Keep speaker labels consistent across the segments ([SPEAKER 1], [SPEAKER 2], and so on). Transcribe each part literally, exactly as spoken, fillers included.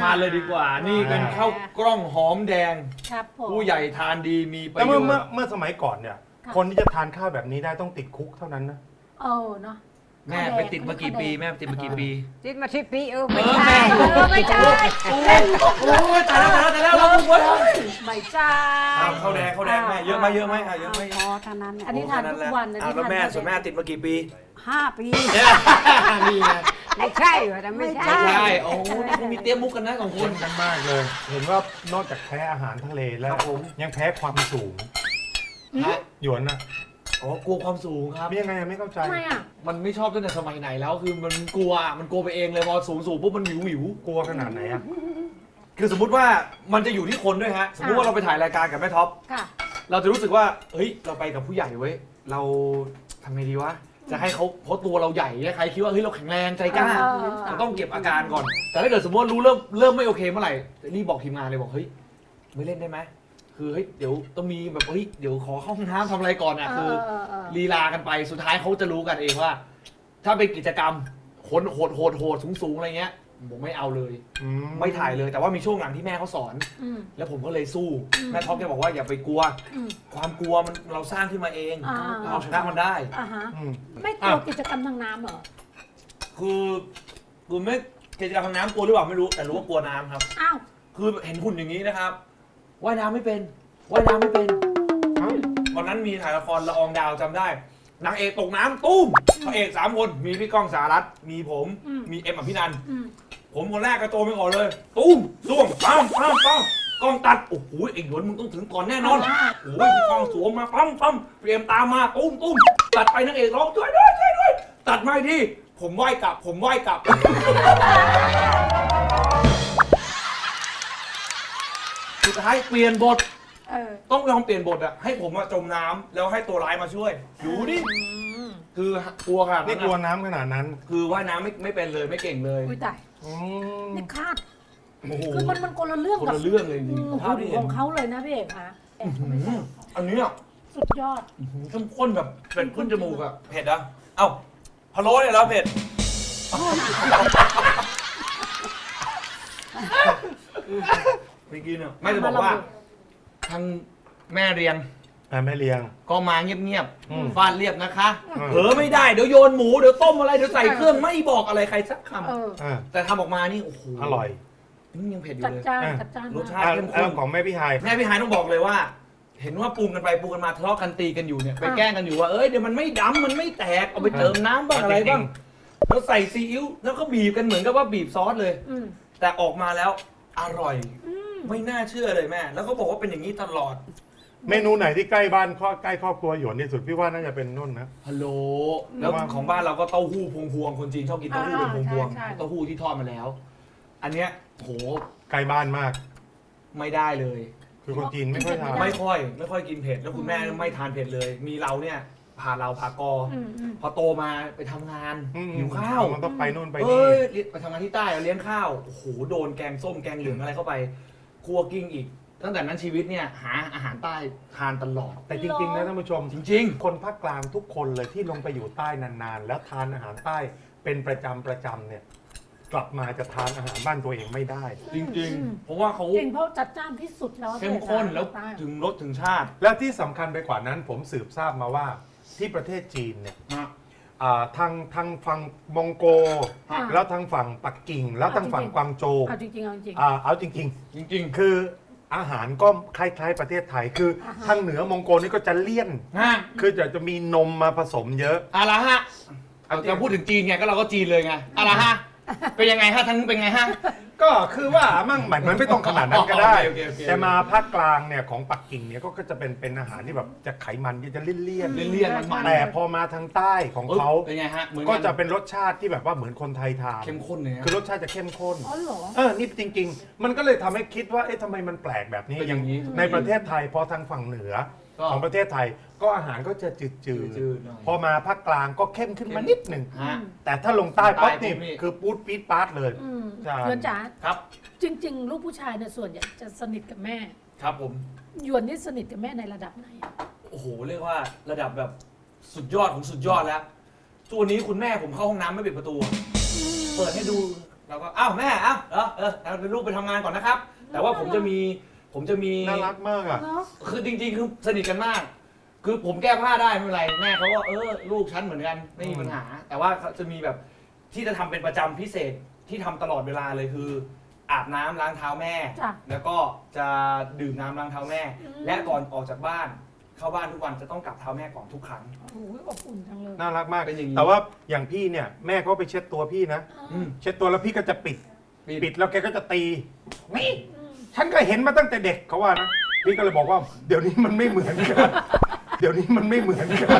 [SPEAKER 1] านเลยดีกว่านี่เป็นข้าวกล้องหอมแดง
[SPEAKER 2] ครับผม
[SPEAKER 1] ผู้ใหญ่ทานดีมีประ
[SPEAKER 3] แต่
[SPEAKER 1] โย
[SPEAKER 3] เมื่อ
[SPEAKER 1] ช
[SPEAKER 3] เมื่อ
[SPEAKER 1] น์
[SPEAKER 3] เมื่อสมัยก่อนเนี่ย
[SPEAKER 2] ค่ะ
[SPEAKER 3] คนที่จะทานข้าวแบบนี้ได้ต้องติดคุกเท่านั้นนะ
[SPEAKER 2] เออเนาะ
[SPEAKER 1] แม่ไปติดมากี่ปีแม่ไปติดมากี่ปี
[SPEAKER 4] ติดมาสิบปีเออ
[SPEAKER 1] เอ
[SPEAKER 4] ไม่
[SPEAKER 1] อ
[SPEAKER 4] ใช่
[SPEAKER 1] แม่
[SPEAKER 2] เออไม่ใช่
[SPEAKER 1] โอ้ยโอ้ยตายแล้วตายแล้วตายแล้วเราเว้ย
[SPEAKER 2] ไม่ใช่
[SPEAKER 1] ข้าวแดงข้าวแดงแม่เยอะไหมเยอะไหมอ่ะเยอะไหม
[SPEAKER 4] พอเท่านั้น
[SPEAKER 2] อันนี้ทานทุกวันนะ
[SPEAKER 1] อ่ะ
[SPEAKER 2] ที่
[SPEAKER 1] แล้ว
[SPEAKER 2] ทาน
[SPEAKER 1] แม่
[SPEAKER 2] ข้าว
[SPEAKER 1] ส่วนแม่
[SPEAKER 2] แดง
[SPEAKER 1] ติดมากี่ปี
[SPEAKER 4] ห้าปี
[SPEAKER 1] นี่ไง
[SPEAKER 4] ไม่ใช่เหรอแต่ไม่ใช่
[SPEAKER 1] ใช่โอ้โหนี่มีเตรียมมุกกันนะของ
[SPEAKER 3] ค
[SPEAKER 1] คุณ
[SPEAKER 3] นกันมากเลย เห็นว่านอกจากแพ้อาหารทะเลแล้ว
[SPEAKER 1] ครับผม
[SPEAKER 3] ยังแพ้ความสูง
[SPEAKER 1] ฮะ
[SPEAKER 3] หยวนนะ
[SPEAKER 1] อ๋อกลัวความสูงครับ
[SPEAKER 3] มียังไงไม่เข้าใจ
[SPEAKER 2] ทำไมอ่ะ
[SPEAKER 1] มันไม่ชอบตั้งแต่สมัยไหนแล้วคือมันกลัวมันกลัวไปเองเลยพอสูงสูงปุ๊บมันหวิวหวิว
[SPEAKER 3] กลัวขนาดไหนอ่ะ
[SPEAKER 1] คือสมมุติว่ามันจะอยู่ที่คนด้วยฮะ สมมุติว่าเราไปถ่ายรายการกับแม่ท็อป
[SPEAKER 2] ค่ะ
[SPEAKER 1] เราจะรู้สึกว่าเฮ้ยเราไปกับผู้ใหญ่เว้ยเราทำไงดีวะจะให้เขาเพราะตัวเราใหญ่เนี่ยใครคิดว่าเฮ้ยเราแข็งแรงใจกล้า
[SPEAKER 2] เออเออ
[SPEAKER 1] เราต้องเก็บอาการก่อน แต่ถ้าเกิดสมมติว่ารู้เริ่มเริ่มไม่โอเคเมื่อไหร่รีบบอกทีมงานเลยบอกเฮ้ยไม่เล่นได้ไหมคือเฮ้ยเดี๋ยวต้องมีแบบเฮ้ยเดี๋ยวขอเข้าห้องน้ำทำอะไรก่อนอ่ะคือ
[SPEAKER 2] เออเออ
[SPEAKER 1] ลีลากันไปสุดท้ายเขาจะรู้กันเองว่า ถ้าเป็นกิจกรรมโหดโหดโหดโหดสูงสูงอะไรเงี้ยผมไม่เอาเลย
[SPEAKER 3] อื
[SPEAKER 1] ไม่ถ่ายเลยแต่ว่ามีช่วงหลังที่แม่เขาสอน
[SPEAKER 2] อืม
[SPEAKER 1] แล้วผมก็เลยสู้
[SPEAKER 2] อืม
[SPEAKER 1] แม่ท็อปแกบอกว่าอย่าไปกลัว
[SPEAKER 2] อืม
[SPEAKER 1] ความกลัวมันเราสร้างขึ้นมาเอง
[SPEAKER 2] อ่า
[SPEAKER 1] เราเอาชนะมันได้
[SPEAKER 2] อ่าฮะ
[SPEAKER 3] อืม
[SPEAKER 2] ไม่กลัวกิจกรรมทางน้ำเหรอ
[SPEAKER 1] คือคือไม่กิจกรรมทางน้ำกลัวหรือเปล่าไม่รู้แต่รู้ว่ากลัวน้ำครับ
[SPEAKER 2] อ้าว
[SPEAKER 1] คือเห็นหุ่นอย่างนี้นะครับว่ายน้ำไม่เป็นว่ายน้ำไม่เป็น
[SPEAKER 3] เอ้า
[SPEAKER 1] วันนั้นมีถ่ายละครละอองดาวจำได้นางเอกตกน้ำตุ้มพระเอกสามคนมีพี่ก้องสารัตน์มีผมมีเอ็มอภินันท์
[SPEAKER 2] อืม
[SPEAKER 1] ผมคนแรกกระโจนไปก่อนเลยตุ้มล่วงปั้มปั้มปั้มกล้องตัดโอ้โหไอ้หยวนมึงต้องถึงก่อนแน่นอนโอ้ยพี่ก้องสวมมาปั้มปั้มเตรียมตามมาตุ้มตุ้มตัดไปนางเอกร้องช่วยด้วยช่วยด้วยตัดมาอีกทีผมไหว้กลับ ผมไหว้กลับ สุดท้ายเปลี่ยนบท
[SPEAKER 2] เออ
[SPEAKER 1] ต้องยอมเปลี่ยนบทอะให้ผมมาจมน้ำแล้วให้ตัวร้ายมาช่วยดูดิ
[SPEAKER 2] อืม
[SPEAKER 1] คือกลัวขนาด
[SPEAKER 3] นี่
[SPEAKER 1] นั้น
[SPEAKER 3] กลัว
[SPEAKER 1] อะ
[SPEAKER 3] น้ำขนาดนั้น
[SPEAKER 1] คือว่ายน้ำไม่ไม่เป็นเลยไม่เก่งเลย
[SPEAKER 2] อุ้ยตาย
[SPEAKER 3] อืม
[SPEAKER 2] นี่คาด
[SPEAKER 1] โอ้โห
[SPEAKER 2] คือมันมันคนละเรื่อง
[SPEAKER 1] คน
[SPEAKER 2] กับ
[SPEAKER 1] ละเรื่องเลยจริงๆภาพที่
[SPEAKER 2] ข
[SPEAKER 1] เห็น
[SPEAKER 2] องเขาเลยนะพี่เอกคะแอบไม่ใช่
[SPEAKER 1] อันเนี้ย
[SPEAKER 2] สุดยอด
[SPEAKER 1] เข้มข้นแบบเผ็ดขึ้นจมูกอะเผ็ดอะเอ้าพะโล้เนี่ยแล้วเผ็ดไม่กินอะไม่จะบอกว่าทางแม่เรียง
[SPEAKER 3] อ่ะแม่เลี้ยง
[SPEAKER 1] ก็มาเงียบ
[SPEAKER 3] อืม
[SPEAKER 1] ๆฟาดเรียบนะคะ
[SPEAKER 3] อืม
[SPEAKER 1] เผลอไม่ได้เดี๋ยวโยนหมูเดี๋ยวต้มอะไรเดี๋ยวใส่เครื่องไม่บอกอะไรใครสักค
[SPEAKER 2] เออ
[SPEAKER 3] อ่ะ
[SPEAKER 1] ำแต่ทำออกมานี่โอ้โห
[SPEAKER 3] อร่อย
[SPEAKER 1] นี่ยังเผ็ดอยู่
[SPEAKER 2] จัด
[SPEAKER 1] เลย
[SPEAKER 2] จ้าน
[SPEAKER 3] อ่ะ
[SPEAKER 2] จัดจ้าน
[SPEAKER 1] รส
[SPEAKER 2] มาก
[SPEAKER 1] ชาติ
[SPEAKER 3] อ่ะ
[SPEAKER 1] เข้มข้น
[SPEAKER 3] เรื่องของแม่พี่ไฮาย
[SPEAKER 1] แม่พี่ฮายต้องบอกเลยว่า เห็นว่าปรุงกันไปปรุงกันมาทะเลาะกันตีกันอยู่เนี่ยไปแกล้งกันอยู่ว่าเอ้ยเดี๋ยวมันไม่ดำมันไม่แตกเอาไปเติมน้ำบ้างอะไรบ้างแล้วใส่ซีอิ๊วแล้วก็บีบกันเหมือนกับว่าบีบซอสเลย
[SPEAKER 2] อืม
[SPEAKER 1] แต่ออกมาแล้วอร่อย
[SPEAKER 2] อืม
[SPEAKER 1] ไม่น่าเชื่อเลยแม่ แล้วเขาบอกว่าเป็นอย่างนี้ตลอด
[SPEAKER 3] เมนูไหนที่ใกล้บ้านข้อใกล้ครอบครัวหยวนที่สุดพี่ว่าน่าจะเป็นนุ่นนะ
[SPEAKER 1] ฮัลโหลแล้วของบ้านเราก็เต้าหู้พวงพวงๆคนจีนชอบกินเต้าหู้เป็นพวงพวงๆเต้าหู้ที่ทอดมาแล้ว อันเนี้ยโห
[SPEAKER 3] ใกล้บ้านมาก
[SPEAKER 1] ไม่ได้เลย
[SPEAKER 3] คือคนจีนไม่ค่อยทาน
[SPEAKER 1] ไม่ค่อย ไม่ค่อยกินเผ็ดแล้วคุณแม่ไม่ทานเผ็ดเลย มีเราเนี่ยพาเราพากออ
[SPEAKER 2] อืมอืม
[SPEAKER 1] พอโตมาไปทำงาน
[SPEAKER 3] อืม
[SPEAKER 1] หิวข้าว
[SPEAKER 3] มันต้องไปนู่นไป
[SPEAKER 1] เอ้
[SPEAKER 3] นี่
[SPEAKER 1] ยไปทำงานที่ใต้เลี้ยงข้าวโอ้โหโดนแกงส้มแกงเหลืองอะไรเข้าไปครัวกิ้งอีก ตั้งแต่นั้นชีวิตเนี่ยหาอาหารใต้ทานตลอด
[SPEAKER 3] แต่จริงๆนะท่านผู้ชม
[SPEAKER 1] จริง
[SPEAKER 3] คนภาคกลางทุกคนเลยที่ลงไปอยู่ใต้นานๆ แล้วทานอาหารใต้เป็นประจำประจำเนี่ย กลับมาจะทานอาหารบ้านตัวเองไม่ได้
[SPEAKER 1] ๆ จริง ๆ เพราะว่าเขา
[SPEAKER 2] จริงเพราะจัดจ้านที่สุดแล้ว
[SPEAKER 1] เข้มข้นแล้ว
[SPEAKER 2] ใต้
[SPEAKER 1] ถึงรสถึงชาติ
[SPEAKER 3] และที่สำคัญไปกว่านั้นผมสืบทราบมาว่าที่ประเทศจีนเนี่ย
[SPEAKER 1] ฮะ
[SPEAKER 3] อ่าทางทางฝั่งมองโก
[SPEAKER 2] อ่า
[SPEAKER 3] แล้วทางฝั่งปักกิ่ง แล้วทางฝั่ง
[SPEAKER 2] จริงๆ
[SPEAKER 3] กวางโจว
[SPEAKER 2] เอาจริงๆเอาจริง
[SPEAKER 3] อ่าเอาจริง
[SPEAKER 1] จริง
[SPEAKER 3] ๆ คืออาหารก็คล้ายๆประเทศไทย คืออา
[SPEAKER 2] ฮะ
[SPEAKER 3] ทางเหนือมองโกนี่ก็จะเลี่ยน
[SPEAKER 1] ๆฮะ
[SPEAKER 3] คือจะจะมีนมมาผสมเยอะ
[SPEAKER 1] อะไรฮะเอาจะพูดถึงจีนไงก็เราก็จีนเลยไงอะไรฮะเป็นยังไงฮะทั้งเป็นไงฮะ
[SPEAKER 3] ก็คือว่ามั่งหมายมันไม่ต้องขนาดนั้นก็ได้
[SPEAKER 1] โอเคโอเคโอเค
[SPEAKER 3] แต่มาภาคกลางเนี่ยของปักกิ่งเนี่ยก็จะเป็นเป็นอาหารที่แบบจะไขมันที่จะเลี่ยน
[SPEAKER 1] เลี่ยนๆมันๆ
[SPEAKER 3] แต่พอมาทางใต้ของเขา
[SPEAKER 1] เป็นไงฮะเหมือน
[SPEAKER 3] ก็จะเป็นรสชาติที่แบบว่าเหมือนคนไทยทาน
[SPEAKER 1] เข้มข้นเลยฮะ
[SPEAKER 3] คือรสชาติจะเข้มข้น
[SPEAKER 2] อ๋อเหรอ
[SPEAKER 3] เออ นี่จริง ๆ มันก็เลยทำให้คิดว่า เอ๊ะทำไมมันแปลกแบบนี้
[SPEAKER 1] เป็นอย่างนี้
[SPEAKER 3] ในประเทศไทยพอทางฝั่งเหนือ
[SPEAKER 1] ก็
[SPEAKER 3] ของประเทศไทย ก็อาหารก็จะจืด
[SPEAKER 1] จืดๆหน่อย
[SPEAKER 3] ๆ พอมาภาคกลางก็เข้มขึ้นมานิดหนึ่ง
[SPEAKER 1] ฮะ
[SPEAKER 3] แต่ถ้าลงใต้ปั๊บ
[SPEAKER 1] ใต้ปุ๊
[SPEAKER 3] นี่
[SPEAKER 1] บนี่
[SPEAKER 3] คือปูดปี๊ดปาร์ตเลย
[SPEAKER 2] อืม
[SPEAKER 3] ใช่
[SPEAKER 2] หยวนจ๋า
[SPEAKER 1] ครับ
[SPEAKER 2] จริง ๆ ลูกผู้ชายเนี่ยส่วนใหญ่จะสนิทกับแม่
[SPEAKER 1] ครับผม
[SPEAKER 2] หยวนนี่สนิทกับแม่ในระดับไหนอะ
[SPEAKER 1] โอ้โหเรียกว่าระดับแบบสุดยอดของสุดยอดแล้วตัวนี้คุณแม่ผมเข้าห้องน้ำไม่ปิดประตู เปิดให้ดูเราก็อ้าวแม่อ้าวเหรอเออเอาเป็นลูกไปทำงานก่อนนะครับ แต่ว่าผมจะมีผมจะมี
[SPEAKER 3] น่ารักมากอ่ะ
[SPEAKER 2] เนาะ
[SPEAKER 1] คือจริงๆคือสนิทกันมาก คือผมแก้ผ้าได้ไม่เป็นไรแม่เขาก็เออลูกฉันเหมือนกันไม่มีปัญหา แต่ว่าจะมีแบบที่จะทำเป็นประจำพิเศษที่ทำตลอดเวลาเลยคือ อาบน้ำล้างเท้าแม่
[SPEAKER 2] จ้ะ
[SPEAKER 1] แล้วก็จะดื่มน้ำล้างเท้าแม่
[SPEAKER 2] อืม
[SPEAKER 1] และก่อนออกจากบ้าน เข้าบ้านทุกวันจะต้องกลับเท้าแม่ก่อนทุกครั้ง
[SPEAKER 2] โอ้โหอบอุ่นจังเลย
[SPEAKER 3] น่ารักมาก
[SPEAKER 1] เป็นอย่างนี้
[SPEAKER 3] แต่ว่าอย่างพี่เนี่ยแม่ก็ไปเช็ดตัวพี่นะ
[SPEAKER 1] อืม
[SPEAKER 3] เช็ดตัวแล้วพี่ก็จะปิด
[SPEAKER 1] ปิด
[SPEAKER 3] ปิดแล้วแกก็จะตีนี่
[SPEAKER 2] อืม
[SPEAKER 3] ฉันก็เห็นมาตั้งแต่เด็กเขาว่านะพี่ก็เลยบอกว่าเดี๋ยวนี้มันไม่เหมือนกันเดี๋ยวนี้มันไม่เหมือนกัน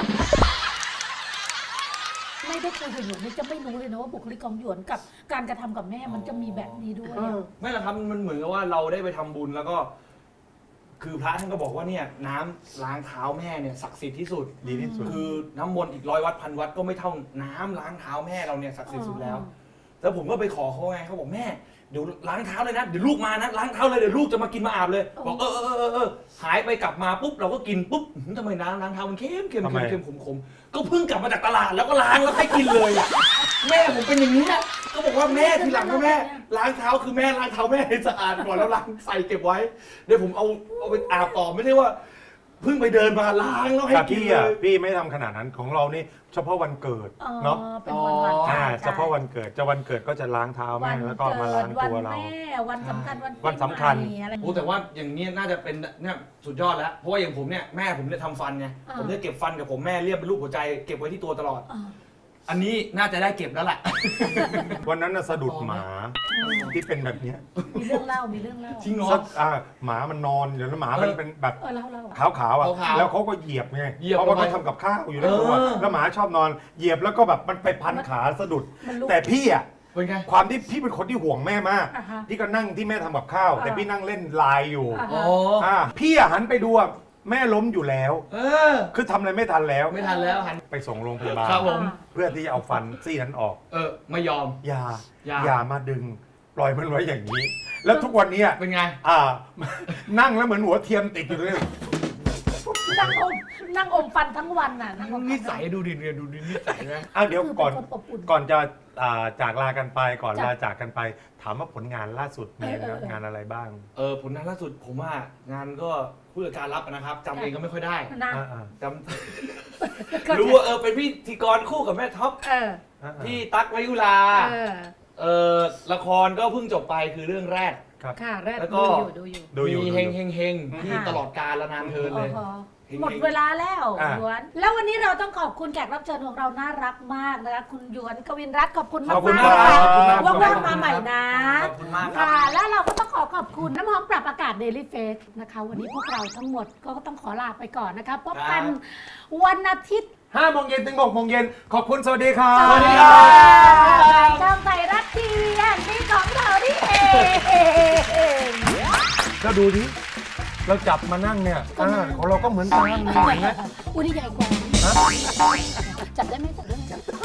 [SPEAKER 2] ไม่ได้คุยกับหยวนนี่จะไม่รู้เลยนะว่าบุคลิกของหยวนกับการกระทำกับแม่มันจะมีแบบนี้ด้วยอะ
[SPEAKER 1] ไม่หรอกครับมันเหมือนกับว่าเราได้ไปทำบุญแล้วก็ คือพระท่านก็บอกว่าเนี่ยน้ำล้างเท้าแม่เนี่ยศักดิ์สิทธิ์ที่สุด
[SPEAKER 3] ดีที่สุด
[SPEAKER 1] คือน้ำมนต์อีกร้อยวัดพันวัดก็ไม่เท่าน้ำล้างเท้าแม่เราเนี่ยศักดิ์สิทธิ์สุดแล้ว แล้วผมก็ไปขอเขาไงเขาบอกแม่เดี๋ยวล้างเท้าเลยนะเดี๋ยวลูกมานะล้างเท้าเลยเดี๋ยวลูกจะมากินมาอาบเลยบอกเออเออเออเออหายไปกลับมาปุ๊บเราก็กินปุ๊บอื้อหือทำไมน้ำล้างเท้ามันเค็มเค็ม
[SPEAKER 3] ทำไม
[SPEAKER 1] เค็มเค็มขมขมก็เพิ่งกลับมาจากตลาดแล้วก็ล้างแล้วให้กินเลยอะแม่ผมเป็นอย่างนี้นะก็บอกว่าแม่ทีหลังนะแม่ล้างเท้าคือแม่ล้างเท้าแม่ให้สะอาดก่อนแล้วล้างใส่เก็บไว้เดี๋ยวผมเอาเอาไปอาบต่อไม่ใช่ว่าเพิ่งไปเดินมาล้างแล้วให้
[SPEAKER 3] แต่
[SPEAKER 1] กิน
[SPEAKER 3] พี่
[SPEAKER 1] เล
[SPEAKER 3] อ่ะ
[SPEAKER 1] ย
[SPEAKER 3] พี่ไม่ทำขนาดนั้นของเรานี่เฉพาะวันเกิด
[SPEAKER 2] อ๋อ
[SPEAKER 3] เนาะ
[SPEAKER 2] เป็นวันวัน
[SPEAKER 1] อ๋อ
[SPEAKER 3] อ่า
[SPEAKER 2] ใช่
[SPEAKER 3] เฉพาะวันเกิดจะวันเกิดก็จะล้างเท้าแม่แล้วก็มาล้างตัวเรา
[SPEAKER 2] วันแม่วันสำคัญวันปี
[SPEAKER 3] วันสำคัญ
[SPEAKER 2] ใหม่อะไรอย่าง
[SPEAKER 1] โอ้
[SPEAKER 2] เงี้ย
[SPEAKER 1] แต่ว่าอย่างนี้น่าจะเป็นเนี่ยสุดยอดแล้ว เพราะว่าอย่างผมเนี่ยแม่ผมเนี่ยทำฟันไง
[SPEAKER 2] อ่า
[SPEAKER 1] ผมจะเก็บฟันกับผมแม่เรียบเป็นรูปหัวใจเก็บไว้ที่ตัวตลอด
[SPEAKER 2] อ่า
[SPEAKER 1] อันนี้น่าจะได้เก็บแล้วแหละ
[SPEAKER 3] วันนั้นน่ะสะดุดหมาที่เป็นแบบเนี้ย
[SPEAKER 2] มีเรื่องเล่ามีเรื่องเล่า
[SPEAKER 1] จริงเหรอ
[SPEAKER 3] สักอ่าหมามันนอนเดี๋ยวแล้วหมามัน
[SPEAKER 1] เออ
[SPEAKER 3] เป็นแบบ
[SPEAKER 2] เออเล่าเล่า
[SPEAKER 3] ขาวขาวๆอ่ะ
[SPEAKER 1] ขาวๆ
[SPEAKER 3] แล้วเขาก็เหยียบไง
[SPEAKER 1] เหยียบ
[SPEAKER 3] เพราะว่า
[SPEAKER 1] ลงไป
[SPEAKER 3] เขาทำกับข้าวอยู่ในครัว
[SPEAKER 1] เออ
[SPEAKER 3] แล้วหมาชอบนอนเหยียบแล้วก็แบบมันไปพันขาสะดุด
[SPEAKER 2] มันลุก
[SPEAKER 3] แต่พี่อ่ะ
[SPEAKER 1] เป็นไง
[SPEAKER 3] ความที่พี่เป็นคนที่ห่วงแม่มาก
[SPEAKER 2] อ่าฮะ
[SPEAKER 3] พี่ก็นั่งที่แม่ทำกับข้าว
[SPEAKER 2] อ่า
[SPEAKER 3] แต่พี่นั่งเล่นไลน์อยู่
[SPEAKER 2] อ่า
[SPEAKER 1] อ๋อ
[SPEAKER 3] อ่าพี่อ่ะหันไปดูอ่ะแม่ล้มอยู่แล้ว
[SPEAKER 1] เออ
[SPEAKER 3] คือทำอะไรไม่ทันแล้ว
[SPEAKER 1] ไม่ทันแล้วหัน
[SPEAKER 3] ไปส่งโรงพยาบาล
[SPEAKER 1] ครับผม
[SPEAKER 3] เพื่อที่จะเอาฟันซี่นั้นออก
[SPEAKER 1] เออไม่ยอม
[SPEAKER 3] อย่า
[SPEAKER 1] อย่า
[SPEAKER 3] อย่ามาดึง ปล่อยมันไว้อย่างนี้ แล้วทุกวันเนี้ย
[SPEAKER 1] เป็นไง
[SPEAKER 3] อ่า นั่งแล้วเหมือนหัวเทียมติดอยู่เลย
[SPEAKER 2] นั่งอมนั่งอมฟันทั้งวันน่ะนั่งอมฟั
[SPEAKER 1] นิสัยดูดิเนี่ยดูดินิสัยไหม
[SPEAKER 3] อ้าวเดี๋ยว
[SPEAKER 2] คือ
[SPEAKER 3] ก่อน
[SPEAKER 2] เป็นคนอบอุ่น
[SPEAKER 3] ก่อนจะอ่าจากลากันไปก่อน
[SPEAKER 2] จ้ะ
[SPEAKER 3] ลาจากกันไป ถามว่าผลงานล่าสุดมี
[SPEAKER 2] เออเออเออ
[SPEAKER 3] งานอะไรบ้าง
[SPEAKER 1] เออผลงานล่าสุดผมว่างานก็ผู้จัดการรับนะครับจำเองก็ไม่ค่อยได้
[SPEAKER 2] นะ
[SPEAKER 3] อ่า
[SPEAKER 1] จำรู้ว่าเออเป็นพิธีกรคู่กับแม่ท็อป
[SPEAKER 2] เออ
[SPEAKER 3] ๆอ่าๆ
[SPEAKER 1] พี่ตั๊กวยุรา
[SPEAKER 2] เออ
[SPEAKER 1] เออละครก็เพิ่งจบไปคือเรื่องแรก
[SPEAKER 2] ค่ะแรก
[SPEAKER 1] แล้วก็
[SPEAKER 2] ดูอยู่
[SPEAKER 3] ดูอยู่
[SPEAKER 1] มี
[SPEAKER 3] ดู
[SPEAKER 1] เฮง
[SPEAKER 3] อยู่
[SPEAKER 1] เฮงเฮงที่ตลอดกาลและนานเทิน
[SPEAKER 2] ดู
[SPEAKER 1] เล
[SPEAKER 2] อยู่
[SPEAKER 1] ย
[SPEAKER 2] โอ้โห
[SPEAKER 1] เฮงๆ
[SPEAKER 2] หมดเวลาแล้ว
[SPEAKER 3] อ่ะ
[SPEAKER 2] หยวน แล้ววันนี้เราต้องขอบคุณแขกรับเชิญของเราน่ารักมากนะคะคุณหยวนกวินรัตน์ขอบคุณมาก
[SPEAKER 3] ขอบคุณ
[SPEAKER 2] มาก
[SPEAKER 3] ครับ
[SPEAKER 2] ค่ะ
[SPEAKER 3] ขอบคุณมาก
[SPEAKER 2] ว่างๆมาใหม่นะ
[SPEAKER 1] ขอบคุณมากครับ
[SPEAKER 2] ค่ะ แล้วเราก็ต้องขอขอบคุณน้ำหอมปรับอากาศ Daily Face นะคะ วันนี้พวกเราทั้งหมดก็ต้องขอลาไปก่อนนะคะพบกันวันอาทิตย์
[SPEAKER 3] ห้าโมงเย็นถึงหกโมงเย็นขอบคุณสวัสดีครับ
[SPEAKER 1] สวัสดีครับ
[SPEAKER 2] ช่องไทยรัฐทีวีแห่งนี้ของเราที่เอง
[SPEAKER 3] ก็ดูดิเราจับมานั่งเนี่ยอ่าของเราก็เหมือนกันนี่เห็นไหม
[SPEAKER 2] อุ้ยนี่ใหญ่กว่าจับได้ไหมจับได้ไหม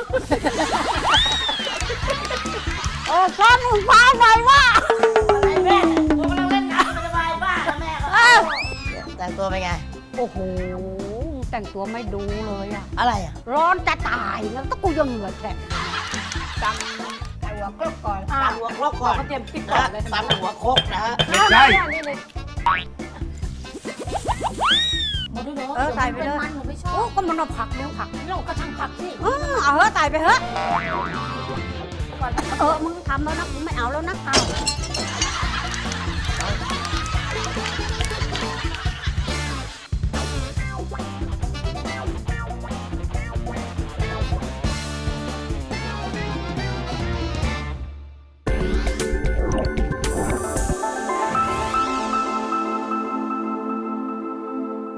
[SPEAKER 4] โอ้ก้อนมึงฟ้าไงวะ
[SPEAKER 2] ไอ้แม่กูกำลังเล่นน้ำสบายบ้าแล้วแม่ก็
[SPEAKER 4] อ้าว
[SPEAKER 5] แต่งตัวเป็นไง
[SPEAKER 4] โอ้โห แต่งตัวไม่ดูเลยอะ
[SPEAKER 5] อะไรอ่ะ
[SPEAKER 4] ร้อนจะตายแล้วต้องกูยังเหงื่อแฉะจำไก่หัวกรอบก่อน
[SPEAKER 5] ตำหัวครกก่อน
[SPEAKER 4] เขาเตรียมติ๊กก่อนเลย
[SPEAKER 5] ตำหัวครกนะฮะ
[SPEAKER 3] ไม่ใช่
[SPEAKER 4] นี่เลย
[SPEAKER 2] หมดด้วยเหรอ
[SPEAKER 4] เออใส่ไปเลย
[SPEAKER 2] มันหนูไม่ชอ
[SPEAKER 4] โอ้
[SPEAKER 2] บ
[SPEAKER 4] ก็มันเอาผักเลี้ยงผัก
[SPEAKER 2] เราก็ช่างผักสิ
[SPEAKER 4] เออเอาเถอะใส่ไปเถอะเออมึงทำแล้วนะมึงไม่เอาแล้วนะเอา